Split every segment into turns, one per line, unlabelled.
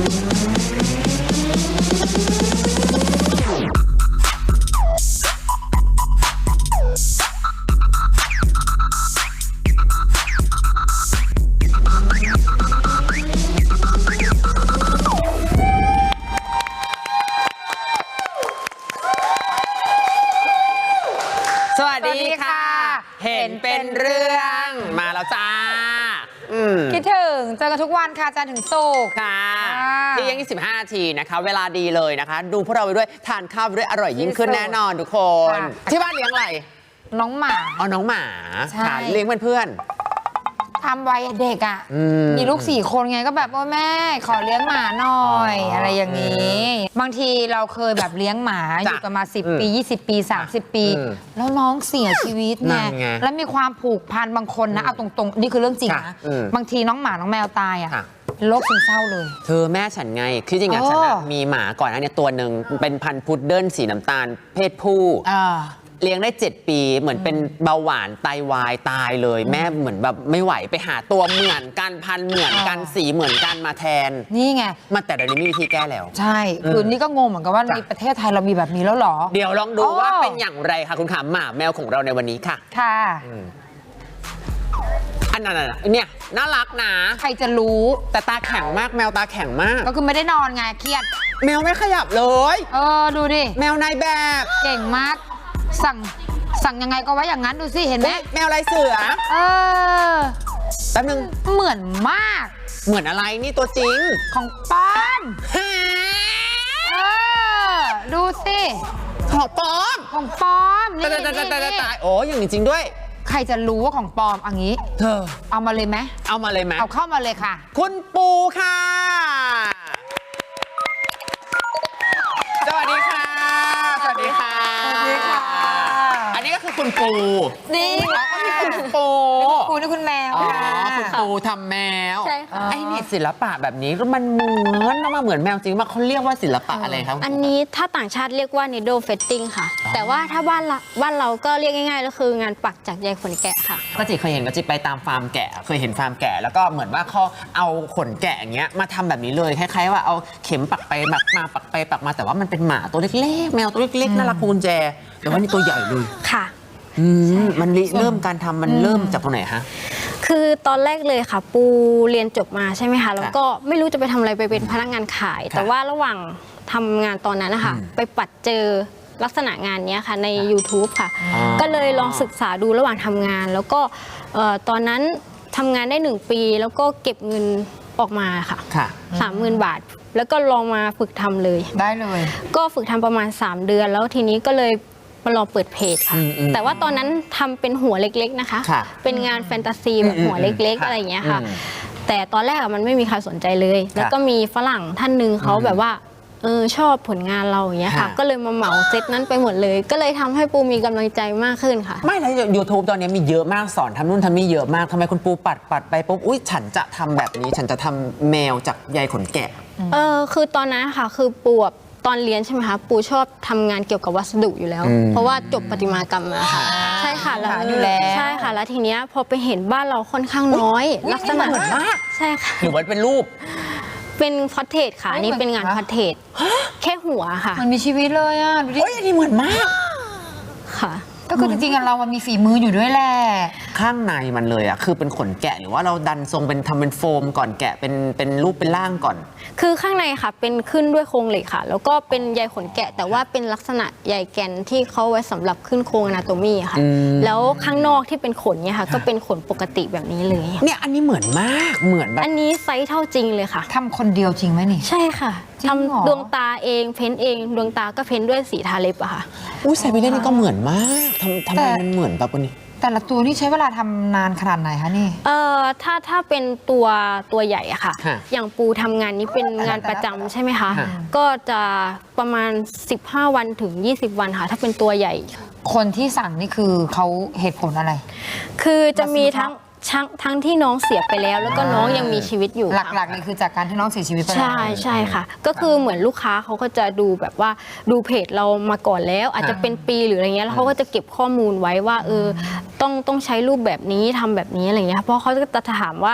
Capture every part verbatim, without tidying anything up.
สวัสดีค่ะเห็นเป็นเรื่องมาแล้วจ้า
คิดถึงเจอกันทุกวันค่ะจันทร์ถึงศุกร์
ค่ะที่ยังยี่สิบห้านาทีนะคะเวลาดีเลยนะคะดูพวกเราไปด้วยทานข้าวไปด้วยอร่อยยิ่งขึ้นแน่นอนทุกคนที่บ้านเลี้ยงอะไร
น้องหมา
อ๋อน้องหมาค่ะเลี้ยงเพื่อน
ทำไว้เด็กอ่ะมีลูกสี่คนไงก็แบบว่าแม่ขอเลี้ยงหมาหน่อยอะไรอย่างนี้บางทีเราเคยแบบเลี้ยงหมาอยู่กันมาสิบปียี่สิบปีสามสิบปีแล้วน้องเสียชีวิตไงแล้วมีความผูกพันบางคนนะเอาตรงๆนี่คือเรื่องจริงนะบางทีน้องหมาน้องแมวตายอ่ะโรคซึมเศร้าเลย
เธอแม่ฉันไงคือจริงๆฉันมีหมาก่อนอันนี้ตัวหนึ่งเป็นพันธุ์พุดเดิ้ลสีน้ำตาลเพศผู้เลี้ยงได้เจ็ดปีเหมือนเป็นเบาหวานไตวายตายเลยแม่เหมือนแบบไม่ไหวไปหาตัวเหมือนกันพันเหมือนกันสีเหมือนกันมาแทน
นี่ไง
มาแต่เดี๋ยวนี้มีวิธีแก้แล้ว
ใช่คือนี่ก็งงเหมือนกันว่าในประเทศไทยเรามีแบบนี้แล้วหรอ
เดี๋ยวลองดูว่าเป็นอย่างไรค่ะคุณขาหมาแมวของเราในวันนี้ค่ะ
ค่ะ
อันนั้นเนี่ยน่ารักนะ
ใครจะรู้
แต่ตาแข็งมากแมวตาแข็งมาก
ก็คือไม่ได้นอนไงเครียด
แมวไม่ขยับเลย
เออดูดิ
แมวนายแบบ
เก่งมากสั่งสั่งยังไงก็ไว้อย่างนั้นดูสิเห็นไหม
แมวลายเสือ
เออ
แป๊บนึง
เหมือนมาก
เหมือนอะไรนี่ตัวจริง
ของปอมเออดูสิ
ของปอม
ของปอม
นี่ตายตายตายโอ้ยังจริงด้วย
ใครจะรู้ว่าของปลอมอันนี้
เธอ
เอามาเลยไหม
เอามาเลยไหม
เอาเข้ามาเลยค่ะ
คุณปูค่ะสวัสดีค่ะสวัสดีค่ะ
สวัสดีค่ะ
อันนี้ก็คือคุณปู
นี่
ก็คือคุณปู
ปูนี่คุณแมว
อ๋อคุณปูทำแมว
ใช่ค่ะ
ไอ้นี่ศิลปะแบบนี้มันเหมือนมาเหมือนแมวจริงมากเขาเรียกว่าศิลปะอะไรครับ
อันนี้ถ้าต่างชาติเรียกว่า needle fetting ค่ะแต่ว่าถ้าบ้านเราบ้านเราก็เรียกง่ายๆก็คืองานปักจากใยขนแกะค่ะ
ก็จิเคยเห็นก็จิไปตามฟาร์มแกะเคยเห็นฟาร์มแกะแล้วก็เหมือนว่าเขาเอาขนแกะอย่างเงี้ยมาทำแบบนี้เลยคล้ายๆว่าเอาเข็มปักไปปักมาปักไปปักมาแต่ว่ามันเป็นหมาตัวเล็กๆแมวตัวเล็กๆน่ารักกุญแจแต่ว่านี่ตัวใหญ่เลย
ค่ะ
มันเริ่มการทำมันเริ่มจากตรงไหนฮะ
คือตอนแรกเลยค่ะปูเรียนจบมาใช่ไหมคะแล้วก็ไม่รู้จะไปทำอะไรไปเป็นพนักงานขายแต่ว่าระหว่างทำงานตอนนั้นนะคะไปปัดเจอลักษณะงานนี้ค่ะใน ยูทูบ ค่ะก็เลยลองศึกษาดูระหว่างทำงานแล้วก็ตอนนั้นทำงานได้หนึ่งปีแล้วก็เก็บเงินออกมาค่ะสามหมื่นบาทแล้วก็ลองมาฝึกทำเลย
ได้เลย
ก็ฝึกทำประมาณสามเดือนแล้วทีนี้ก็เลยมาลองเปิดเพจค่ะแต่ว่าตอนนั้นทำเป็นหัวเล็กๆนะคะเป็นงานแฟนตาซีแบบหัวเล็กๆอะไรอย่างเงี้ยค่ะแต่ตอนแรกมันไม่มีใครสนใจเลยแล้วก็มีฝรั่งท่านหนึ่งเขาแบบว่าเออชอบผลงานเราอย่างเงี้ยค่ะก็เลยมาเหมาเซตนั้นไปหมดเลยก็เลยทำให้ปูมีกำลังใจมากขึ้นค่ะ
ไม่แล้ว ยูทูบ ตอนนี้มีเยอะมากสอนทำนู่นทำนี่เยอะมากทำไมคุณปูปัดปัดไปปุ๊บอุ้ยฉันจะทำแบบนี้ฉันจะทำแมวจากใยขนแกะ
เออคือตอนนั้นค่ะคือปูตอนเรียนใช่ไหมคะปูชอบทำงานเกี่ยวกับวัสดุอยู่แล้วเพราะว่าจบประติมากรรมมาค่ะใช่ค่ะแล้วใช่ค่ะแล้วทีเนี้ยพอไปเห็นบ้านเราค่อนข้างน้อยลักษณะ
เหมือนมาก
ใช่ค่ะ
หรือว่าเป็นรูป
เป็นพอร์เทรตค่ะนี่เป็นงานพอร์เทรตแค่หัวค่ะ
มันมีชีวิตเลยอ่ะดูดิ
โอ้ยอันนี้เหมือนมาก
ค่ะ
ก็คือจริงๆเรามันมีฝีมืออยู่ด้วยแหละ
ข้างในมันเลยอ่ะคือเป็นขนแกะหรือว่าเราดันทรงเป็นทำเป็นโฟมก่อนแกะเป็นเป็นรูปเป็นร่างก่อน
คือข้างในค่ะเป็นขึ้นด้วยโครงเหล็กค่ะแล้วก็เป็นใยขนแกะแต่ว่าเป็นลักษณะใยแกนที่เขาไว้สำหรับขึ้นโครงอนาโตมีค่ะแล้วข้างนอกที่เป็นขนเนี่ยค่ะก็เป็นขนปกติแบบนี้เลย
เนี่ยอันนี้เหมือนมากเหมือนแบบ
อันนี้ไซส์เท่าจริงเลยค่ะ
ทำคนเดียวจริงไหมนี่
ใช่ค่ะทำดวงตาเองเพ้นเองดวงตาก็เพ้นด้วยสีทาเล็บอะค่ะ
อุ้ยใส่ไปเล่นนี่ก็เหมือนมากทำทำไมมันเหมือนแบบนี้
แต่ละตัวนี่ใช้เวลาทำนานขนาดไหนคะนี่
เอ่อถ้าถ้าเป็นตัวตัวใหญ่อะค่ะอย่างปูทำงานนี้เป็นงานประจำใช่ไหมคะก็จะประมาณสิบห้าวันถึงยี่สิบวันค่ะถ้าเป็นตัวใหญ่
คนที่สั่งนี่คือเขาเหตุผลอะไร
คือจะมีทั้งทั้งที่น้องเสียไปแล้วแล้วก็น้องยังมีชีวิตอยู่
หลักๆเลยคือจากการที่น้องเสียชีวิตไป
ใช่ใช่ค่ะก็คือเหมือนลูกค้าเขาก็จะดูแบบว่าดูเพจเรามาก่อนแล้วอาจจะเป็นปีหรืออะไรเงี้ยแล้วเขาก็จะเก็บข้อมูลไว้ว่าเออต้องต้องใช้รูปแบบนี้ทำแบบนี้อะไรเงี้ยเพราะเขาจะถามว่า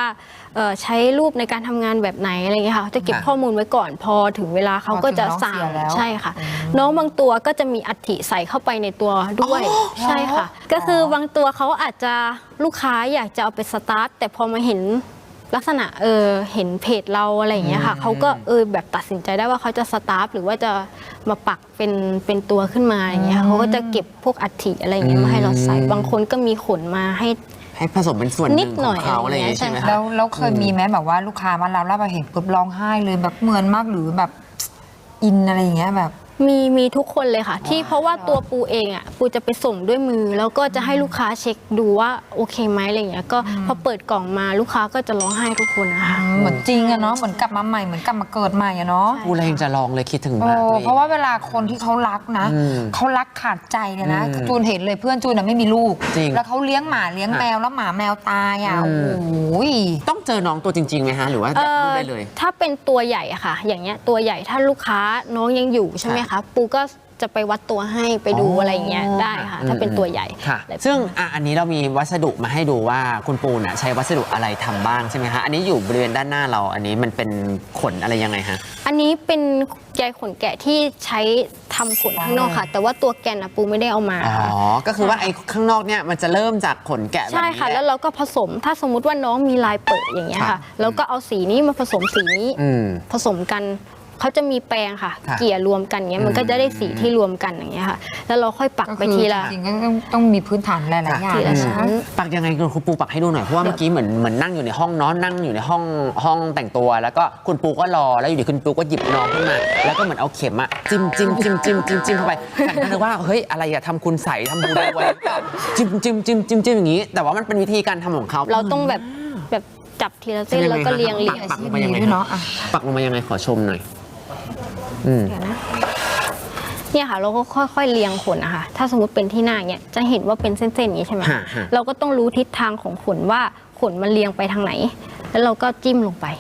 เอ่อใช้รูปในการทำงานแบบไหนอะไรเงี้ยค่ะจะเก็บข้อมูลไว้ก่อนพอถึงเวลาเขาก็จะสั่งใช่ค่ะน้องบางตัวก็จะมีอัฐิใส่เข้าไปในตัวด้วยใช่ค่ะก็คือบางตัวเขาอาจจะลูกค้าอยากจะเอาไปสตาร์ทแต่พอมาเห็นลักษณะเออเห็นเพจเราอะไรอย่างเงี้ยค่ะเขาก็เออแบบตัดสินใจได้ว่าเขาจะสตาร์ทหรือว่าจะมาปักเป็นเป็นตัวขึ้นมาอย่างเงี้ยเขาก็จะเก็บพวกอัฐิอะไรอย่างเงี้ยมาให้เราใส่บางคนก็มีขนมาให้
ให้ผสมเป็นส่วนหนึ่งของเขาอะไรอย่างเงี้ยใช่ไหม
แล้วแล้วเคยมีไหมแบบว่าลูกค้ามาแล้วแล้วแบบเห็นปุ๊บร้องไห้เลยแบบเหมือนมากหรือแบบอินอะไรอย่างเงี้ยแบบ
มีมีทุกคนเลยค่ะที่เพราะว่าตัวปูเองอ่ะปูจะไปส่งด้วยมือแล้วก็จะให้ลูกค้าเช็คดูว่าโอเคไหมอะไรอย่างเงี้ยก็พอเปิดกล่องมาลูกค้าก็จะร้องไห้ทุกคนนะคะ
เหมือนจริงอะเนาะเหมือนกลับมาใหม่เหมือนกลับมาเกิดใหม่อะเนาะ
ปูเลยยังจะลองเลยคิดถึงมากเลย
เพราะว่าเวลาคนที่เขารักนะเขารักขาดใจเลยนะจูนเห็นเลยเพื่อนจูนอะไม่มีลูกแล้วเขาเลี้ยงหมาเลี้ยงแมวแล้วหมาแมวตายอะโอ้ย
ต้องเจอน้องตัวจริงๆไหมฮะหรือว่าดูได้เลย
ถ้าเป็นตัวใหญ่อะค่ะอย่างเงี้ยตัวใหญ่ถ้าลูกค้าน้องยังอยู่ใช่ไหมคะปูก็จะไปวัดตัวให้ไปดูอะไรอย่างเงี้ยได้ค่ะถ้าเป็นตัวใหญ่
ค่ะซึ่งอ่ะอันนี้เรามีวัสดุมาให้ดูว่าคุณปูน่ะใช้วัสดุอะไรทำบ้างใช่ไหมคะอันนี้อยู่บริเวณด้านหน้าเราอันนี้มันเป็นขนอะไรยังไงฮะ
อันนี้เป็นใยขนแกะที่ใช้ทำขนข้างนอกค่ะแต่ว่าตัวแกนอะปูไม่ได้เอามา
อ๋อก็คือว่าไอ้ข้างนอกเนี่ยมันจะเริ่มจากขนแกะแบบนี้
ใช่ค่ะแล้วเราก็ผสมถ้าสมมุติว่าน้องมีลายเปิดอย่างเงี้ยค่ะแล้วก็เอาสีนี้มาผสมสีนี้ผสมกันเขาจะมีแปรงค่ะเกลี่ยรวมกันเงี้ยมันก็จะได้สีที่รวมกันอย่างเงี้ยค่ะแล้วเราค่อยปักไปทีละ
จริงก็ต้องมีพื้นฐานหลายๆอย่าง
ปักยังไงคุณปูปักให้ดูหน่อยเพราะว่าเมื่อกี้เหมือนเหมือนนั่งอยู่ในห้องน้องนั่งอยู่ในห้องห้องแต่งตัวแล้วก็คุณปูก็รอแล้วอยู่ดีคุณปูก็หยิบน้องขึ้นมาแล้วก็เหมือนเอาเข็มอะจิ้มจิ้มจิ้มจิ้มจิ้มจิ้มเข้าไปฉันก็นึกว่าเฮ้ยอะไรอะทำคุณใส่ทำบุญไว้จิ้มจิ้มจิ้มจิ้มจิ้มอย่างนี้แต่ว่ามันเป็นวิธีการทำของเขา
เราต้องแบบแบบจับทีละเส้นแล้วก็เรียงเรียง
ปักลงมายังไงเนาะปักลงมายังไงขอชมหน่อย
เดี๋ยวนะเนี่ยค่ะเราก็ค่อยๆเรียงขนนะคะถ้าสมมติเป็นที่หน้าเนี่ยจะเห็นว่าเป็นเส้นๆอย่างนี้ใช่ไหมเราก็ต้องรู้ทิศทางของขนว่าขนมันเรียงไปทางไหนแล้วเราก็จิ้มลงไป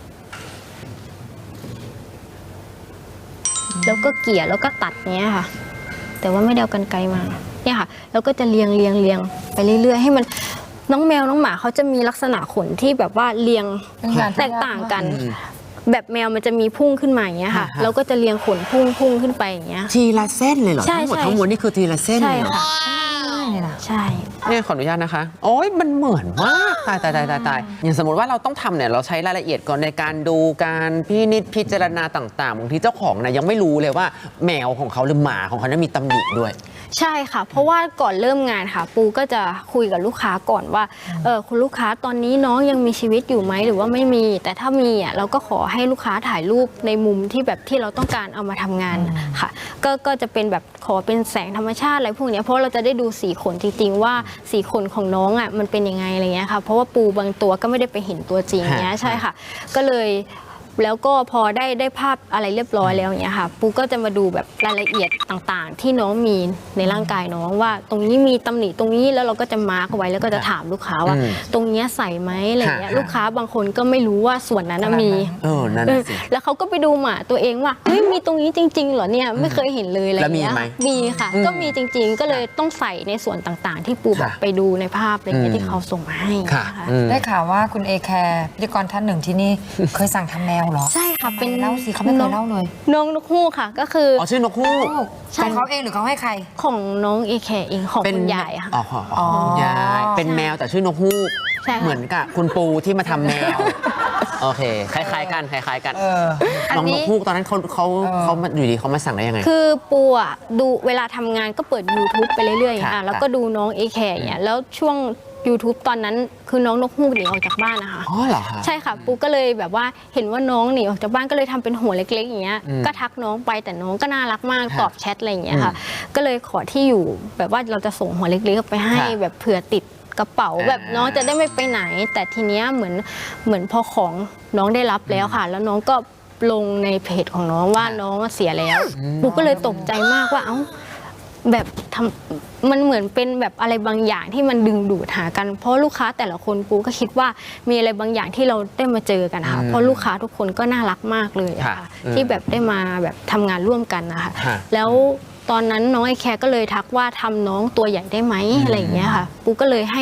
แล้วก็เกี่ยแล้วก็ตัดเนี้ยค่ะแต่ว่าไม่ได้เอากรรไกรมาเนี่ยค่ะแล้วก็จะเรียงเรียงเรียงไปเรื่อยๆให้มันน้องแมวน้องหมาเขาจะมีลักษณะขนที่แบบว่าเรียงแตกต่างกันแบบแมวมันจะมีพุ่งขึ้นมาอย่างเงี้ยค่ะเราก็จะเรียงขนพุ่งพุ่งขึ้นไปอย่างเงี้ย
ทีละเส้นเลยเหรอทั้งหมดทั้งมวลนี่คือทีละเส้นเลยเหรอ
ใช่
เนี่ยขออนุญาตนะคะโอ้ยมันเหมือนมากตายตายตายตายตายอย่างสมมติว่าเราต้องทำเนี่ยเราใช้รายละเอียดก่อนในการดูการพินิจพิจารณาต่างๆบางทีเจ้าของนะยังไม่รู้เลยว่าแมวของเขาหรือหมาของเขานั้นมีตำหนิด้วย
ใช่ค่ะเพราะว่าก่อนเริ่มงานค่ะปูก็จะคุยกับลูกค้าก่อนว่าเออคุณลูกค้าตอนนี้น้องยังมีชีวิตอยู่ไหมหรือว่าไม่มีแต่ถ้ามีอ่ะเราก็ขอให้ลูกค้าถ่ายรูปในมุมที่แบบที่เราต้องการเอามาทำงานค่ะก็ก็จะเป็นแบบขอเป็นแสงธรรมชาติอะไรพวกนี้เพราะเราจะได้ดูสีขนจริงๆว่าสีขนของน้องอ่ะมันเป็นยังไงอะไรเงี้ยค่ะเพราะว่าปูบางตัวก็ไม่ได้ไปเห็นตัวจริงเนี้ยใช่ค่ะก็เลยแล้วก็พอได้ได้ภาพอะไรเรียบร้อยแล้วอย่างเงี้ยค่ะปูก็จะมาดูแบบรายละเอียดต่างๆที่น้องมีในร่างกายน้องว่าตรงนี้มีตำหนิตรงนี้แล้วเราก็จะมาร์กไว้แล้วก็จะถามลูกค้าว่าตรงนี้ใส่ไหมอะไรเงี้ยลูกค้าบางคนก็ไม่รู้ว่าส่วนนั้นมี
เออนั่นสิ
แล้วเขาก็ไปดูหมาตัวเองว่าเฮ้ยมีตรงนี้จริงๆเหรอเนี่ยไม่เคยเห็นเลยอะไรเงี้ยมีค่ะก็มีจริงๆก็เลยต้องใส่ในส่วนต่างๆที่ปูแบบไปดูในภาพอะไรเงี้ยที่เขาส่งมาให้
ได้ข่าวว่าคุณเอแคร์พิธีกรท่านหนึ่งที่นี่เคยสั่งทำแมวเหรอ
ใช่ค่ะเป็น
เล่าสิเขาไม่เคยเล่าเลย
น้องนกฮูกค่ะก็คือ
อ๋อชื่อนกฮูก
ของเขาเองหรือเขาให้ใคร
ของน้องเอแคร์เองของคุณยายค่ะ
อ๋อคุณยายเป็นแมวแต่ชื่อนกฮูกเหมือนกับคุณปูที่มาทำแมวโอเคคล้ายๆกันคล้ายๆกันน้องนกฮูกตอนนั้นเขาเขาเขาอยู่ดีเขามาสั่งได้ยังไง
คือปูอ่ะดูเวลาทำงานก็เปิด ยูทูบ ไปเรื่อยๆอ่ะแล้วก็ดูน้องเอแคร์เนี่ยแล้วช่วงยูทูบ ตอนนั้นคือน้องนกฮูกหนีออกจากบ้านนะคะ
อ๋อเหรอคะ
ใช่ค่ะปูก็เลยแบบว่าเห็นว่าน้องหนีออกจากบ้านก็เลยทำเป็นหัวเล็กๆอย่างเงี้ยก็ทักน้องไปแต่น้องก็น่ารักมากตอบแชทอะไรอย่างเงี้ยค่ะก็เลยขอที่อยู่แบบว่าเราจะส่งหัวเล็กๆไปให้แบบเผื่อติดกระเป๋าแบบน้องจะได้ไม่ไปไหนแต่ทีเนี้ยเหมือนเหมือนพอของน้องได้รับแล้วค่ะแล้วน้องก็ลงในเพจของน้องว่าน้องเสียแล้วปูก็เลยตกใจมากว่าเอ้าแบบทำมันเหมือนเป็นแบบอะไรบางอย่างที่มันดึงดูดหากันเพราะลูกค้าแต่ละคนปูก็คิดว่ามีอะไรบางอย่างที่เราได้มาเจอกันค่ะเพราะลูกค้าทุกคนก็น่ารักมากเลยค่ะที่แบบได้มาแบบทำงานร่วมกันนะคะแล้วตอนนั้นน้องไอแคร์ก็เลยทักว่าทำน้องตัวใหญ่ได้ไหมอะไรอย่างเงี้ยค่ะปูก็เลยให้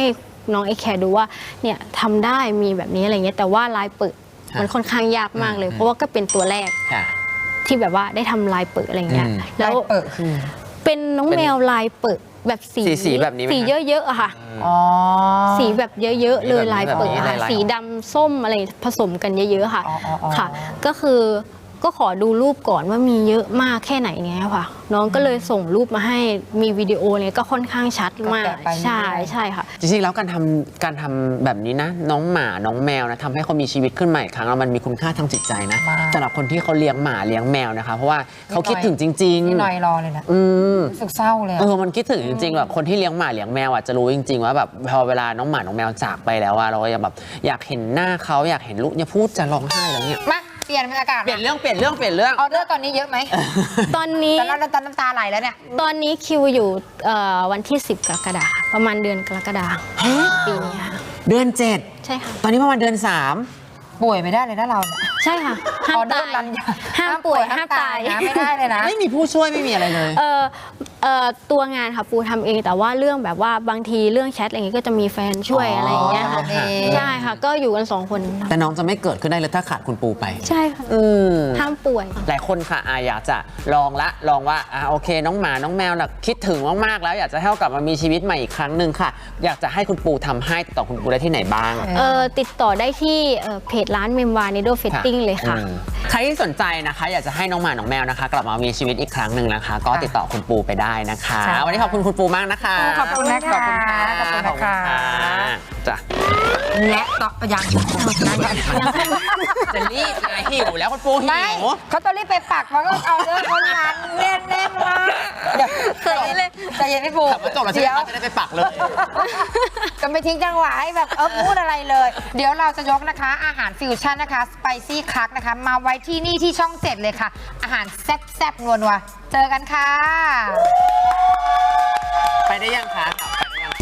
น้องไอแคร์ดูว่าเนี่ยทำได้มีแบบนี้อะไรเงี้ยแต่ว่าลายเปิดมันค่อนข้างยากมากเลย เพราะว่าก็เป็นตัวแรกที่แบบว่าได้ทำลายเปิดอะไรเงี้ยแล้วเป็นน้องแมวลายเปิดแบบสี
สีแบบนี้
สีเยอะๆอะค่ะสีแบบเยอะๆเลยลายเปิดค่ะสีดำส้มอะไรผสมกันเยอะๆค่ะค่ะก็คือก็ขอดูรูปก่อนว่ามีเยอะมากแค่ไหนเนี้ยค่ะน้องก็เลยส่งรูปมาให้มีวิดีโอเนี่ยก็ค่อนข้างชัดมากใช่ใช่ค่ะ
จริงๆแล้วการทำการทำแบบนี้นะน้องหมาน้องแมวนะทำให้เขามีชีวิตขึ้นใหม่ครั้งแล้วมันมีคุณค่าทางจิตใจนะสำหรับคนที่เขาเลี้ยงหมาเลี้ยงแมวนะคะเพราะว่าเขาคิดถึงจริงๆ
นี่หน่อยรอเลยนะ
อืม
สึกเศร้าเลย
เออมันคิดถึงจริงๆแบบคนที่เลี้ยงหมาเลี้ยงแมวอ่ะจะรู้จริงๆว่าแบบพอเวลาน้องหมาน้องแมวจากไปแล้วอะเราก็แบบอยากเห็นหน้าเขาอยากเห็นลูกเนี่ยพูดจะร้องไห้แล้วเนี่ย
เปลี่ยนบรรยากาศ
เปลี่ยนเรื่องเปลี่ยนเรื่องเปลี่ยนเรื่อง
ออเดอร์ตอนนี้เยอะไหม
ตอนนี้
ตอนนั้นน้ำตาไหลแล้วเนี่ย
ตอนนี้คิวอยู่วันที่สิบกรกฎาคมประมาณเดือนกรกฎาคมปีนี้ค่ะ
เดือนเจ็ด
ใช่ค่ะ
ตอนนี้ประมาณเดือนสาม
ป่วยไม่ได้เลยนะเราเนี่ย
ใช่ค่ะห้ามตายห้ามป่วยห้ามตาย
นะไม่ได้เลยนะ
ไม่มีผู้ช่วยไม่มีอะไรเลย
เออเอ่อตัวงานค่ะปูทำเองแต่ว่าเรื่องแบบว่าบางทีเรื่องแชทอะไรเงี้ยก็จะมีแฟนช่วยอะไรอย่างเงี้ยค่ะใช่ค่ะก็อยู่กันสองคน
แต่น้องจะไม่เกิดขึ้นได้เลยถ้าขาดคุณปูไป
ใช่ค่ะห้ามป่วย
หลายคนค่ะอยากจะลองละลองว่าอ่าโอเคน้องหมาน้องแมวน่ะคิดถึงมากๆแล้วอยากจะให้กลับมามีชีวิตใหม่อีกครั้งหนึ่งค่ะอยากจะให้คุณปูทำให้ติดต่อคุณปูได้ที่ไหนบ้าง
เออติดต่อได้ที่เพจร้านเมมวานิโดเฟตติ้งเลยค่ะ
ใครที่สนใจนะคะอยากจะให้น้องหมาน้องแมวนะคะกลับมามีชีวิตอีกครั้งหนึ่งนะคะก็ติดต่อคุณปูไปได้นะคะวันนี้ขอบคุณคุณปูมากนะคะ
ขอบคุณนะคะ
ขอบคุณค่ะ
ขอบคุณนะคะ
จ้ะ
และต่อยัง
จะรีบไงหิวแล้วคุณปูหิว
เขาต้องรีบไปปักเพราะก็เอาเรื่องคนนั้นแน่นแน่นมากเดี๋ยวเคยเลยใจเย็นพี่ปู
ขับมาจบแล้วจะได้ไปปักเลย
ก็ไม่ทิ้งจังหวะให้แบบเออพูดอะไรเลยเดี๋ยวเราจะยกนะคะอาหารฟิวชั่นนะคะสไปซี่คักนะคะมาไว้ที่นี่ที่ช่องเจ็ดเลยค่ะอาหารแซ่บๆนัวๆเจอกันค่ะ
ไปได้ยังคะไปได้ยัง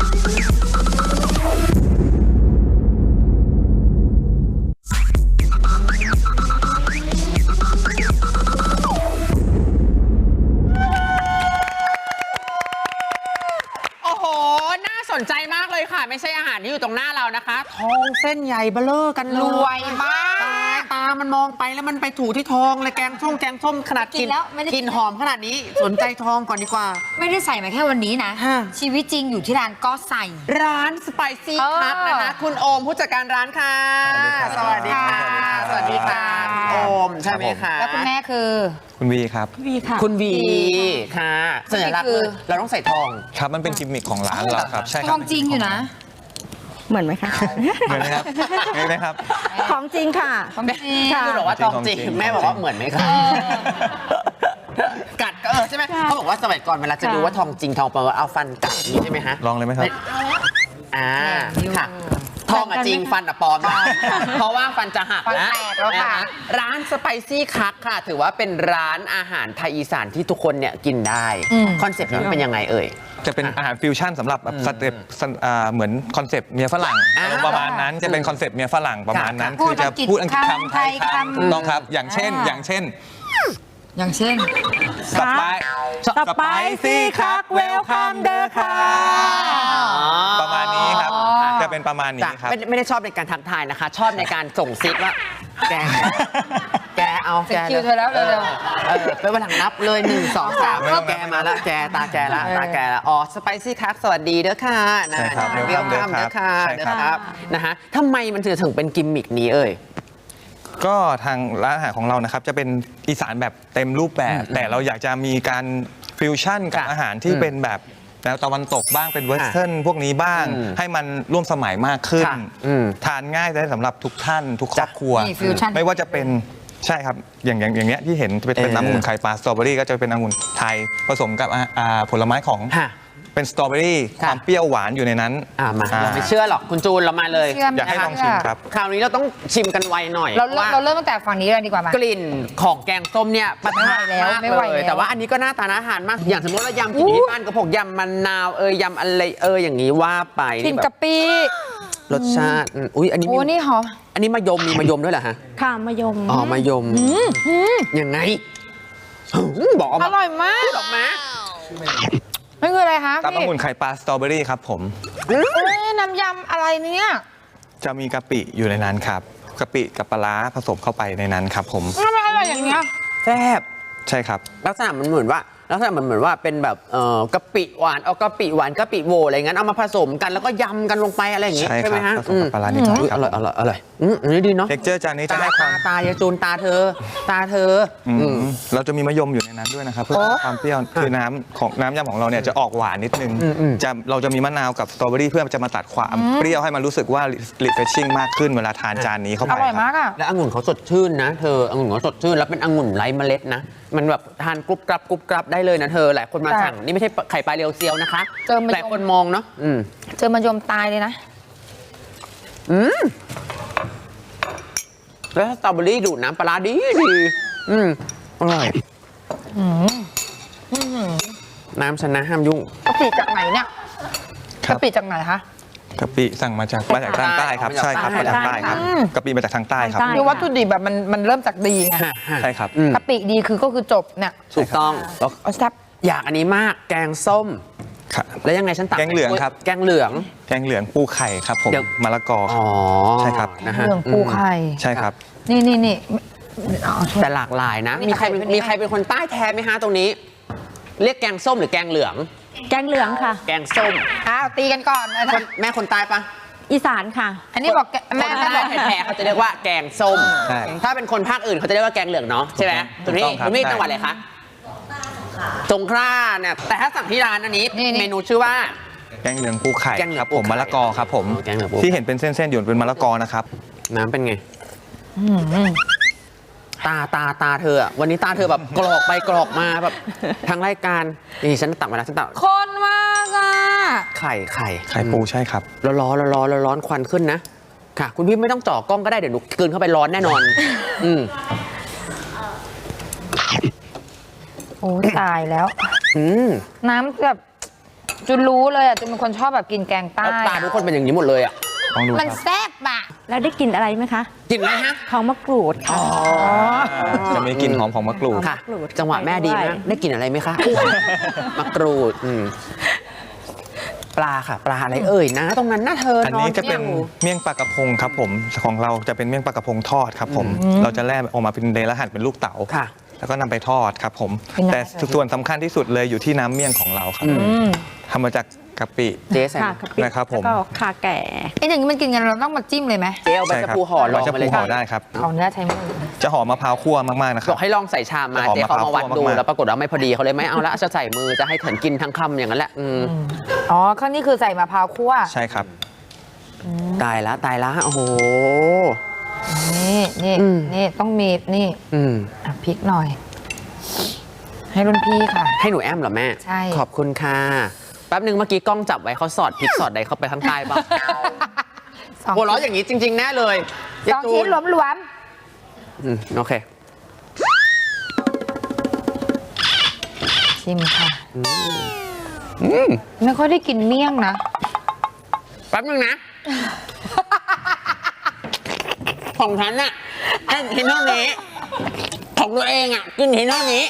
โอ้โหน่าสนใจมากเลยค่ะไม่ใช่อาหารที่อยู่ตรงหน้าเรานะคะทองเส้นใหญ่เบ้อเร่อกัน
รวยมาก
ตามันมองไปแล้วมันไปถูที่ทองเลยแกงส้มแกงส้มขนาดกินกินหอมขนาดนี้สนใจทองก่อนดีกว่า
ไม่ได้ใส่มาแค่วันนี้นะชีวิตจริงอยู่ที่ร้านก็ใส่
ร้านสไปซี่คัทนะคะคุณโอมผู้จัดการร้านค่ะสวัสดีค่ะสวัสดีค่ะโอมใช่ไหมคะ
แล้วคุณแม่คือ
คุณวีครับ
วีค่ะ
คุณวีค่ะสัญลักษณ์คือเราต้องใส่ทอง
ครับมันเป็นกิมมิคของร้านเราครับใช่ครับ
ทองจริงอยู่นะ
เหมือนไหมคะ
เหมือนไหมครับเหมือนไหมครับ
ของจริงค่ะ
ของจริง
คุณบอกว่าทองจริงแม่บอกว่าเหมือนไหมคะกัดก็เออใช่ไหมเขาบอกว่าสมัยก่อนเวลาจะดูว่าทองจริงทองปลอมเอาฟันกัดนี้ใช่ไหมฮะ
ลองเลยไหมครับ
อ่าค่ะทองอะจริงฟันอะปลอมนะเพราะว่าฟันจะหักนะร้านสไปซี่คักค่ะถือว่าเป็นร้านอาหารไทยอีสานที่ทุกคนเนี่ยกินได้คอนเซ็ปต์นี้เป็นยังไงเอ่ย
จะเป็นอาหารฟิวชั่นสำหรับแบบสเต็ปเหมือนคอนเซ็ปต์เมียฝรั่งประมาณนั้นจะเป็นคอนเซ็ปต์เมียฝรั่งประมาณนั้นคือจะพูดอังกฤษคำไทยคำต้องครับอย่างเช่นอย่างเช่น
อย่างเช่น
สไปสไปซี่คักเวลคัมเดอร์ค่ะประมาณนี้ครับจะเป็นประมาณนี้ครับ
ไม่ได้ชอบในการทักทายนะคะชอบในการส่งซิกว่าแกแกเอาแก
คิวเธอแล้วเร็ว
เออไปวันหลังนับเลยหนึ่งสองสามแกมาละแกตาแกละตาแกละอ๋อสไปซี่คักสวัสดีเด้อค่ะ
นะเวลคัมเด้อ
ค่ะเด้อครับนะฮะทำไมมันถึงถึงเป็นกิมมิกนี้เอ่ย
ก็ทางร้านอาหารของเรานะครับจะเป็นอีสานแบบเต็มรูปแบบแต่เราอยากจะมีการฟิวชั่นกับอาหารที่เป็นแบบแนวตะวันตกบ้างเป็นเวสเทิร์นพวกนี้บ้างให้มันร่วมสมัยมากขึ้นทานง่ายได้สำหรับทุกท่านทุกครอบครัวไม่ว่าจะเป็นใช่ครับอย่างอย่างอย่างเงี้ยที่เห็นจะเป็นน้ำองุ่นไข่ปลาสตรอเบอรี่ก็จะเป็นองุ่นไทยผสมกับผลไม้ของเป็นสตรอเบอรี่ความเปรี้ยวหวานอยู่ในนั้น
มาเราไม่เชื่อหรอกคุณจูนเรามาเลย
อยากให้ลองชิมครับ
คราวนี้เราต้องชิมกันไวหน่อย
เราเราเริ่มตั้งแต่ฝั่งนี้เลยดีกว่ามั้ย
กลิ่นของแกงส้มเนี่ยประทานแล้วไม่ไหวเลยแต่ว่าอันนี้ก็น่าทานอาหารมากอย่างสมมติเรายำกินที่บ้านก็พวกยำมะนาวเอยยำอะไรเอยอย่างนี้ว่าไป
กลิ่นกะปิ
รสชาติอุ้ยอันนี้
โอ้นี่หรอ
อันนี้มะยมมีมะยมด้วยเหรอฮะ
ค่ะมะยม
อ๋อมะยมยังไงบอก
อร่อยมาก
บอกมา
ไม่นี่คืออะไรคะ
ตับ
พี่
องุ่นไข่ปลาสตรอเบอรี่ครับผม
เอ้ยน้ำยำอะไรเนี่ย
จะมีกะปิอยู่ในนั้นครับกะปิกับปลาร้าผสมเข้าไปในนั้นครับผม
ทำไมอร่อยอย่างเงี้ย
แซ่บ
ใช่ครับ
ลักษณะมันเหมือนว่าลักษณะมันเหมือนว่าเป็นแบบเอ่อกะปิหวานเอากะปิหวานกะปิโวอะไรงั้นเอามาผสมกันแล้วก็ยำกันลงไปอะไรอย่างงี้
ใช่
ใช่ไหม
ครั
ฮะ
บผสมกับปลาร้านิดหน่อย
อุ๊ย
ค
อ
รับ
ร่อยอร่อยอร่อยอืมอันนี้ดีเนาะ
เท็กเจอร์จานนี้จะ
ตา
ให้ควา
ตาม ตายายจูนตาเธอ ตาเธอ
อืม
อืม
เราจะมีมะยมอยู่ในนั้นด้วยนะครับเพื่อความเปรี้ยวคือน้ำของน้ำยำของเราเนี่ยจะออกหวานนิดนึง
อืมอืม
จะเราจะมีมะนาวกับสตรอเบอรี่เพื่อจะมาตัดความเปรี้ยวให้มันรู้สึกว่า refreshing มากขึ้นเวลาทานจานนี้เข้า
อ
ไป
ร่อย
ค
มา
รับ
กอ่ะ
และองุ่นเขาสดชื่นนะเธอองุ่นเขาสดชื่นแล้วเป็นองุ่นไร้เมล็ดนะมันแบบทานกรุบกรับกรุบกรับได้เลยนะเธอหลายคนมา
แต่
สั่งนี่ไม่ใช่ไข่ปลาเรียวเซียวนะคะ
เจอมะยม
หลายคนมองเนาะอืม
เจอมายมตายเลยนะ
อืมแล้วสตรอเบอรี่ดูดน้ำปลาร้าดีดีอืมอร่อยน้ำชนะห้ามยุ่ง
กะปิจากไหนเนี่ย
ครับ
กะปิจากไหนคะ
กะปิสั่งมาจากมาจากทางใต้ครับ
มาจาก
ใช่ครับ
ใต้
มาจากใต้ครับ
อืม
กะปิมาจากทางใต้ครับ
ทางใต้
คือวัตถุดิบแบบมันมันเริ่มจากดีไง
ใช่ครับ
อืม
กะปิดีคือก็คือจบเนี่ย
ถูกต้องแล้ว
เอาแซ่บ
อยากอันนี้มากแกงส้ม
ครับ
แล้วยังไงฉันตัก
แกงเหลืองครับ
แกงเหลือง
แกงเหลืองปูไข่ครับผม
เดี๋ยว
มะละกอ
อ๋อ
ใช่ครับ
นะฮะ
เรื่องปูไข่
ใช่ครับ
นี่นี่นี่เอาช่วย
แต่หลากหลายนะ
มี
มีใคร
ใครเป็น
มีใครเป็นคนใต้แท้ไหมฮะตรงนี้ เรียกแกงส้มหรือแกงเหลือง
แกงเหลืองค่ะ
แกงส้ม
อ้าวตีกันก่อนนะ
คนแม่คนใต้ปะ
อีสานค่ะ
อันนี้บอกแก
แม่
แม่
แม่
แม่
แท้ๆเขาจะเรียกว่าแกงส้ม
ใช่
ถ้าเป็นคนภาคอื่นเขาจะเรียกว่าแกงเหลืองเนาะใช่ไหม
ถู
คุณ
ก
พี่
ต้องครับ
คุณพี่
ใช่
จังหวัดอะไรคะสงขลาเนี่ยแต่ถ้าสั่งที่ร้านอันนี้เมนูชื่อว่า
แกงเหลืองปูไข่
แกงเหลือง
ครับ
ปู
ผม
ไข่
มะละกอครับผม
แกงเหลืองปูไข่
ที่เห็นเป็นเส้นๆอยู่เป็นมะละกอนะครับ
น้ำเป็นไง
อืม
ตาตาตาเธออะวันนี้ตาเธอแบบกรอกไปกรอกมาแบบทางรายการนี่ฉันตักมาแล้วฉันตัก
คนมากอ่ะ
ไข่ไข่
ไข่ปูใช่ครับ
ร้อนร้อนร้อนร้อนร้อนควันขึ้นนะค่ะ คุณพี่ไม่ต้องจ่อกล้องก็ได้เดี๋ยวหนูกลืนเข้าไปร้อนแน่นอน อืม
โอ้ตายแล้ว
อืม
น้ำแบบจุนรู้เลยอ่ะจุนเป็นคนชอบแบบกินแกงใต้
แล้วตาทุกคนเป็นอย่างนี้หมดเลยอ่ะ
ลองดูค
มัน
รับ
แซ่บอ่ะ
แล้วได้กลิ่นอะไรไหมคะ
กินไหมฮะ
ทองมะกรูดค่ะ
จะมีกลิ่นหอมของมะกรูด
ค่ะ
มะกรูด
จังหวะแม่ดี
ด้
นะ
วย
ได้กลินอะไรไหมคะ มะกรูดอืมปลาค่ะ ปลาอะไรเอ่ยนะ ตรงนั้นน่าเธอ
อันนี้จะเป็น
อยู่
เมี่ยงปลากระพงครับผมของเราจะเป็นเมี่ยงปลากระพงทอดครับผม เราจะแล่ออกมาเป็นเลนและหั่นเป็นลูกเต๋า
ค่ะ
แล้วก็นำไปทอดครับผม
เป็นไง
แต่ส่วนสำคัญที่สุดเลยอยู่ที่น้ำเมี่ยงของเราครับ
อืม
ทำมาจากกะปิ
เจ๊ใส่
ค่ะ
ไหม
กะปิ
นะครับผม
แล้วก็ขาแก่
ไอ้อย่างนี้มันกินกันเราต้องมาจิ้มเลยไหม
เจ๊เอาใบ
ใช่
ชะ
ครับ
พูห่อลอง
ใบชะ
มา
พู
เลย
ห่อ
ค่ะ
ได้ครับ
เอาเนื้อใช้มือ
จะหอมมะพร้าวคั่วมากๆนะค
บ
รั
อบ กให้ลองใส่ชามมา
จะหอม
เจ๊เขามาวัด
มะพร้าว
ดู
คั่วมากๆ
แล้วปรากฏว่าไม่พอดีเขาเลยไม่เอาละจะใส่มือจะให้เถินกินทั้งคำอย่างนั้นแหละอืม
อ๋อข้างนี้คือใส่มะพร้าวคั่ว
ใช่ครับ
ตายละตายละโอ้โห
นี่นี่
อืม
นี่ต้องมีนี่
อืม
อ่ะพริกหน่อย ให้รุ่นพี่ค่ะ
ให้หนูแอมเหรอแม่
ใช่
ขอบคุณค่ะแป๊บนึงเมื่อกี้กล้องจับไว้เขาสอดพริกสอดใดเข้าไปข้างใต้บ้าง
สอง
หัวเราะอย่างนี้จริง ๆ แน่เลย
สองชิ้นหลวม
อืมโอเค
ๆชิมค่ะ
อืม
ไม่ค่อยได้กินเมี่ยงนะ
แป๊บนึงนะ ของฉันน่ะแค่กินเท่านี้ ของตัวเองอ่ะกินเห็นเท่านี้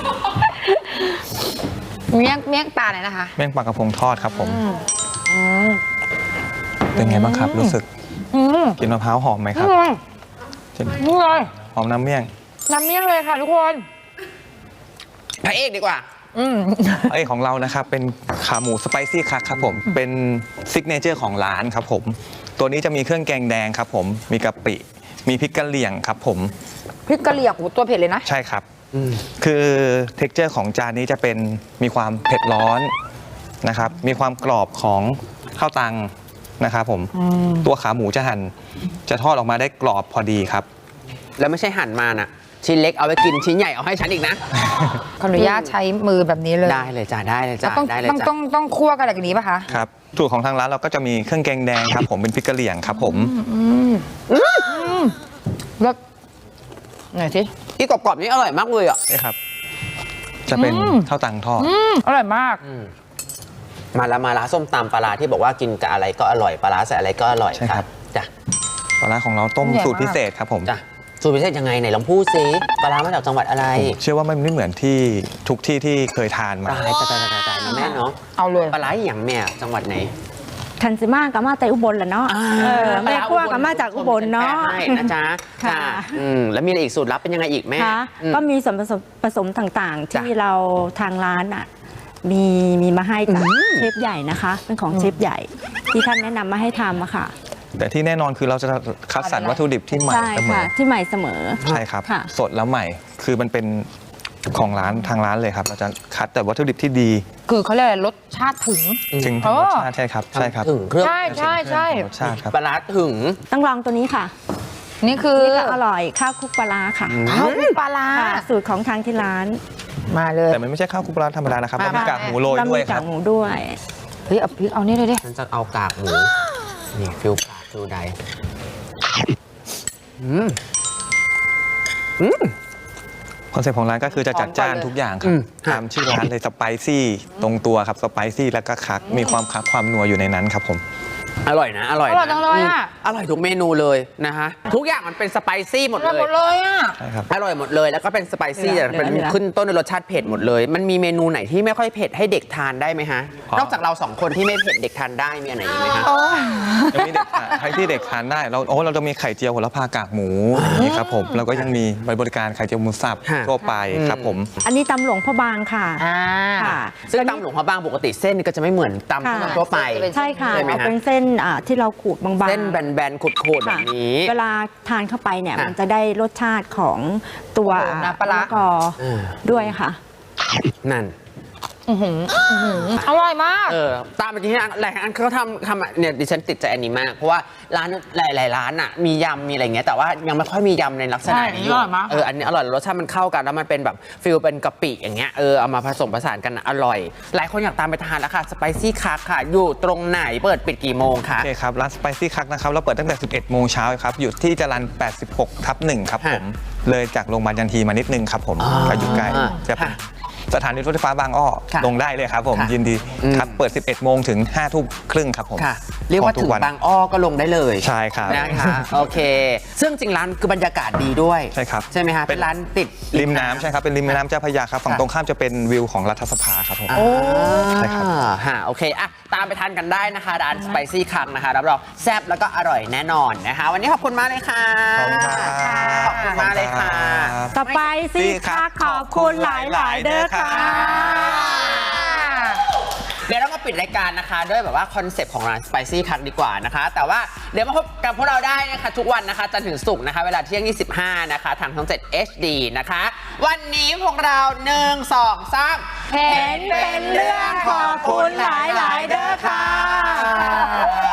เมี่ยงเมี่ยงปลาไหนนะคะ
เมี่ยงปลากระพงทอดครับผม
อืม
เป็นไงบ้างครับ รู้สึก
อืม
กลินมะพร้าวหอมไหมครับ
นี่เลย
ใช่ไหม
นี่เลย
หอมน้ำเมี่ยง
น้ำเมี่ยงเลยค่ะทุกคน
พระเอกดีกว่า
อืม
ไอยของเรานะครับเป็นขาหมูสไปซี่คักครับผมเป็นซิกเนเจอร์ของร้านครับผมตัวนี้จะมีเครื่องแกงแดงครับผมมีกะปิมีพริกกะเหรี่ยงครับผม
พริกกะเหรี่ยงโอ้โหตัวเผ็ดเลยนะ
ใช่ครับ
อืม
คือเท็กเจอร์ของจานนี้จะเป็นมีความเผ็ดร้อนนะครับมีความกรอบของข้าวตังนะครับผมตัวขาหมูจะหั่นจะทอดออกมาได้กรอบพอดีครับ
แล้วไม่ใช่หั่นมาน่ะ ชิ้นเล็กเอาไว้กินชิ้นใหญ่เอาให้ฉันอีกนะ
ขออนุญาตใช้มือแบบนี้เลย
ได้เลยจ้าได้เลย
แล้
จ้าว
ต้อง
ได้เลย
ต้อง
จ้า
ต้องต้องคั่วกันอะไรกันนี้ป่ะคะ
ครับสูตรของทางร้านเราก็จะมีเครื่องแกงแดงครับผมเป็นพริกกะเหรี่ยงครับผม
แล้วไหนสิ
ที่กรอบๆนี่อร่อยมากเลยอ่ะ
นี่ครับ จะเป็น
อืม
ข้าวตังทอด
อืมอร่อยมาก
มาละมาละส้มตำปลาร้าที่บอกว่ากินกับอะไรก็อร่อยปลาร้าใส่อะไรก็อร่อย
ใช่ครับ
จ้ะ
ปลาร้าของเราต้ม
ใหญ่มาก
สูตรพิเศษครับผม
จ้ะสูตรพิเศษยังไงไหนลองพูดซิปลาร้ามาจากจังหวัดอะไร
เชื่อว่ามันไม่เหมือนที่ทุกที่ที่เคยทานมา
ตายตายตายตายตายนะแม่เนาะ
เอาเลย
ปลาร้าอย่างแม่จังหวัดไหน
คันซิมากับมาแต่อุบลแหละเนาะ
อ่า
เออแม่ขั้วกับมาจากอุบลเนาะ
ใช่นะจ๊ะ
ค่ะ
จ้ะอืมแล้วมีอะไรอีกสูตรลับเป็นยังไงอีกแม่
ค่ะ
อืม
ก็มีส่วนผสมผสมต่างๆ
จ้ะ
ที่เราทางร้านอ่ะมีมีมาให้จากเชฟใหญ่นะคะ เป็นของเชฟใหญ่ ที่ท่านแนะนำมาให้ทำอะค่ะ
แต่ที่แน่นอนคือเราจะคัดสรรวัตถุดิบที่ใหม่
ใช่
เสม
ค่ะ
อ
ที่ใหม่เสมอ
ใช่ครับ
ค่ะ
สดแล้วใหม่ คือมันเป็นของร้านทางร้านเลยครับ เราจะคัดแต่วัตถุดิบที่ดี
คือเขาเรียกอะไรรสชาติถึง
ถึง
อ๋อ
รสชาติใช่ครับ ใช่ครับ
ถึงเครื่อง
ใช่ใช่ใช่
รสชาติครับ
ปลาร้าถึง
ต้องลองตัวนี้ค่ะ
นี่คือ
นี่ก็อร่อยข้าวคลุกปลาร้าค่ะ
ข้าวคลุกปลาร้า
ค่ะสูตรของทางที่ร้าน
มาเลย
แต่มันไม่ใช่ข้าวคลุกปลาร้าธรรมดานะครับ
มา
เรามีกากหมูโรย
แล้ว
ด้วย
มี
ค
กา
รั
ก
บ
หมูด้วย
เฮ้ยเอาพริกเอานี่เลยดิ
ฉันจะเอากากหมู นี่ฟิลกากฟิลใดอืมอืม
คอนเซ็ปต์ของร้านก็คือจะจัดจ้านทุกอย่างครั
อื
บ
ม
ตามชื่อร้านเลยสไปซี่ตรงตัวครับสไปซี่แล้วก็คักมีความคักความนัวอยู่ในนั้นครับผม
อร่อยนะ อร่อย
อร่อยจังเลยอะ
มอร่อยทุกเมนูเลยนะฮะ ทุกอย่างมันเป็นสไปซี่หมด
อร่อย
เล
หม
ย
ดเลยอ่ะ
ใช่ครับ
อร่อยหมดเลยแล้วก็เป็นสไปซี่
เหลื
แต่
อ
เป็น
เหลือ
ขึ้นต้นด้วยรสชาติเผ็ดหมดเลย มันมีเมนูไหนที่ไม่ค่อยเผ็ดให้เด็กทานได้ไหมฮะ
อ๋อ
นอกจากเราสองคนที่ไม่เผ็ดเด็กทานได้มีอันไหนอีกไหมฮะ
ยังมีเด็กทานให้ที่เด็กทานได้เราโอ้เราจะมีไข่เจียวโหระพากากหมูอย่างนี้ครับผมแล้วก็ยังมีบริการไข่เจียวหมูสับ
ค่ะ
ทั่วไปครับผม
อันนี้ตำหลวงพ่อบางค่ะ
อ่า
ค่ะ
ซึ่งตำหลวงพระบางปกติเส้นก็จะไม่เหมือนตำ
ค่ะ
ทั่วไป
ใช่ค่ะ
ใช่ไหม
เอา
ฮะ
เป็นเส้นอ่าที่เราขูดบางๆ
เส้นแบนๆขูดๆแบบนี้
เวลาทานเข้าไปเนี่ย
ค่ะ
มันจะได้รสชาติของตัว
โอ้น้ำปลาร้า
มะละกอ
อ่า
ด้วยค่ะ
นั่น
อื้อหืออื้อหืออร่อยมาก
เออตามไปที่หลายอันเขาทำทำเนี่ยดิฉันติดใจอันนี้มาก เพราะว่าร้านหลาย ๆ ร้านอ่ะมียำมีอะไรเงี้ยแต่ว่ายังไม่ค่อยมียำในลักษณะ
ใช่
นี้อยู่
อร่อยมาก
เอออันนี้อร่อยรสชาติมันเข้ากันแล้วมันเป็นแบบฟิลเป็นกะปิอย่างเงี้ยเออเอามาผสมผสานกันอะอร่อย หลายคนอยากตามไปทานแล้วค่ะสไปซี่คักค่ะ อยู่ตรงไหนเปิดปิดกี่โมงคะ
โอเคครับ ร้านสไปซี่คักนะครับ เราเปิดตั้งแต่ สิบเอ็ด โมงเช้าครับ อยู่ที่จรัญแปดสิบหกทับหนึ่งครับผม เลยจากโรงพยาบาลยันทีมานิดนึงครับผม
อ่า
ก็อยู่ใกล้จะเป็น
ค่ะ
สถานีรถไฟฟ้าบางอ้อ
ค่ะ
ลงได้เลยครับผม
ค่ะ
ยินดี
อืม
ครับ เปิด สิบเอ็ด โมงถึง ห้า ทุ่มครึ่งครับผม
ค่ะ เรียกว่า
ขอทุ
ถึง
วัน
บางอ้อก็ลงได้เลย
ใช่ครับ
นะคะโอเค ซึ่งจริงร้านคือบรรยากาศดีด้วย
ใช่ครับ
ใช่ไหมคะ
เป็
เป็น นร้านติด
ริมน้ำใช่ครับ เป็นริมแม่น้ำเจ้าพระยาครับ ฝั่ง
ค่ะ
ตรงข้ามจะเป็นวิวของรัฐสภาครับผม
โอ้
ใช่ครับ
ฮะโอเคอ่ะตามไปทานกันได้นะคะร้านสไปซี่คังนะคะรับรองแซ่บแล้วก็อร่อยแน่นอนนะคะ วันนี้ขอบคุณมากเลยค่ะ
ขอบคุณครับ
ขอบคุณมากเลยค่ะ
สไปซี่ค่ะขอบคุณหลาย ๆ เด้อค่ะ
เดี๋ยวเรามาปิดรายการนะคะด้วยแบบว่าคอนเซปต์ของร้าน Spicy คักดีกว่านะคะ แต่ว่าเดี๋ยวมาพบกับพวกเราได้นะคะทุกวันนะคะจันทร์ถึงศุกร์นะคะเวลาเที่ยงยี่สิบห้านะคะทางช่องเจ็ด เอช ดี นะคะ วันนี้พวกเราหนึ่งสองสาม
เห็นเป็นเรื่องขอบคุณหลาย ๆ เด้อค่ะ